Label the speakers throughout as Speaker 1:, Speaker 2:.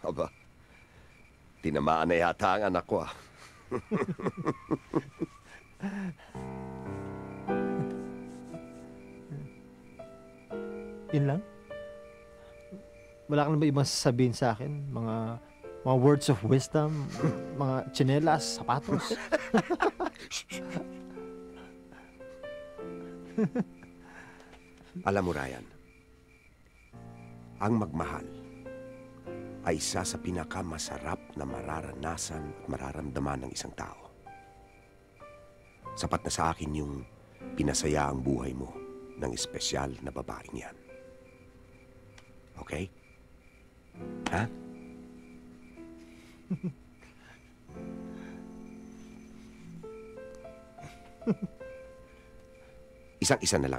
Speaker 1: Aba, tinamaan na yata ang anak ko ah.
Speaker 2: Yun lang? Wala ka na ba ibang sasabihin sa akin? Mga words of wisdom, mga tsinelas, sapatos.
Speaker 1: Alam mo, Ryan, ang magmahal ay isa sa pinakamasarap na mararanasan at mararamdaman ng isang tao. Sapat na sa akin yung pinasaya ang buhay mo ng espesyal na babaeng yan. Okay? Ha? Isang-isa na lang.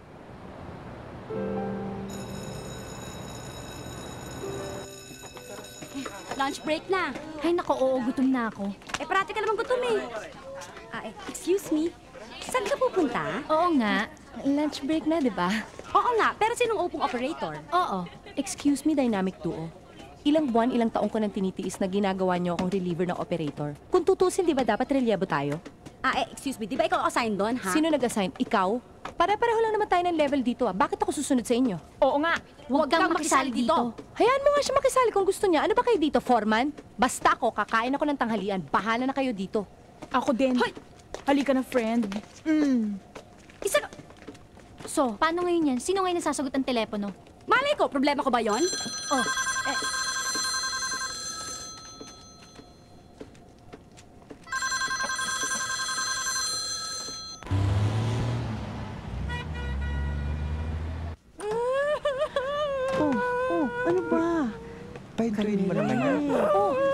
Speaker 3: Lunch break na.
Speaker 4: Ay, nako, oo, gutom na ako.
Speaker 3: Parati ka naman gutom eh. Excuse me, saan ka pupunta?
Speaker 4: Oo nga, lunch break na, di ba?
Speaker 3: Oo nga, pero sinong upong operator?
Speaker 4: Oo.
Speaker 5: Excuse me, Dynamic Duo. Ilang buwan, ilang taong ko nang tinitiis na ginagawa niyo akong reliever ng operator. Kung tutusin, di ba dapat relyebo tayo?
Speaker 3: Excuse me, di ba ikaw assign doon, ha?
Speaker 5: Sino nag-assign? Ikaw? Pare-pareho lang naman tayo ng level dito ah. Bakit ako susunod sa inyo?
Speaker 4: Oo nga, huwag kang makisali dito.
Speaker 5: Hayaan mo nga siya makisali kung gusto niya. Ano ba kayo dito, foreman? Basta ako, kakain ako ng tanghalian. Bahala na kayo dito.
Speaker 6: Ako din.
Speaker 3: Hoy!
Speaker 6: Halika na, friend.
Speaker 3: Isa...
Speaker 4: So, paano ngayon yan? Sino ngayon nasasagot ang telepono?
Speaker 3: Malay ko, problema ko ba yon?
Speaker 4: Oh,
Speaker 6: Ano ba?
Speaker 7: Pahintuin mo naman yan.
Speaker 5: Oh,